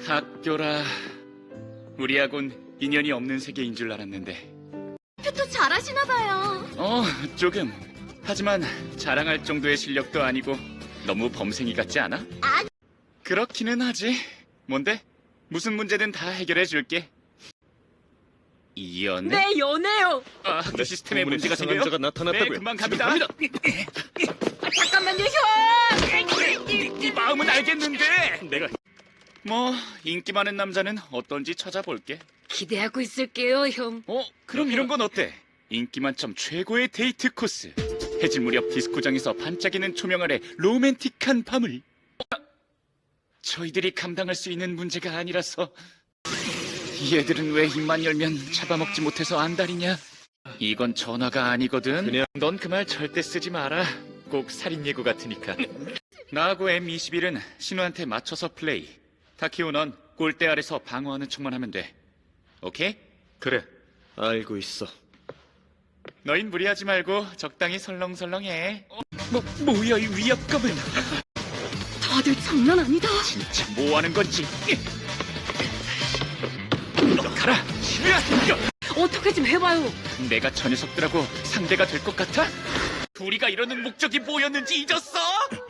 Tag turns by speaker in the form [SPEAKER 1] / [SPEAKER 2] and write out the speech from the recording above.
[SPEAKER 1] 학교라. 우리하곤 인연이 없는 세계인 줄 알았는데.
[SPEAKER 2] 표도 잘하시나 봐요.
[SPEAKER 1] 조금. 하지만 자랑할 정도의 실력도 아니고 너무 범생이 같지 않아?
[SPEAKER 2] 아니.
[SPEAKER 1] 그렇기는 하지. 뭔데? 무슨 문제든 다 해결해 줄게. 연애?
[SPEAKER 2] 네, 연애요.
[SPEAKER 1] 학교 시스템에 문제가
[SPEAKER 3] 이상한
[SPEAKER 1] 생겨요?
[SPEAKER 3] 자가 나타났다고요.
[SPEAKER 1] 네, 금방 갑니다.
[SPEAKER 2] 잠깐만요, 형.
[SPEAKER 1] 네 마음은 알겠는데.
[SPEAKER 3] 내가
[SPEAKER 1] 뭐 인기 많은 남자는 어떤지 찾아볼게.
[SPEAKER 2] 기대하고 있을게요, 형.
[SPEAKER 1] 그럼 이런 건 어때? 인기 만점 최고의 데이트 코스. 해질 무렵 디스코장에서 반짝이는 조명 아래 로맨틱한 밤을. 저희들이 감당할 수 있는 문제가 아니라서. 얘들은 왜 입만 열면 잡아먹지 못해서 안달이냐? 이건 전화가 아니거든.
[SPEAKER 3] 그냥-
[SPEAKER 1] 넌 그 말 절대 쓰지 마라. 꼭 살인 예고 같으니까. 나하고 M21은 신우한테 맞춰서 플레이. 타키오 넌 골대 아래서 방어하는 척만 하면 돼. 오케이?
[SPEAKER 3] 그래. 알고 있어.
[SPEAKER 1] 너흰 무리하지 말고 적당히 설렁설렁해. 뭐야 이 위압감은.
[SPEAKER 2] 다들 장난 아니다.
[SPEAKER 1] 진짜 뭐 하는 건지. 가라, 신우야.
[SPEAKER 2] 어떻게 좀 해봐요.
[SPEAKER 1] 내가 저 녀석들하고 상대가 될 것 같아? 우리가 이러는 목적이 뭐였는지 잊었어?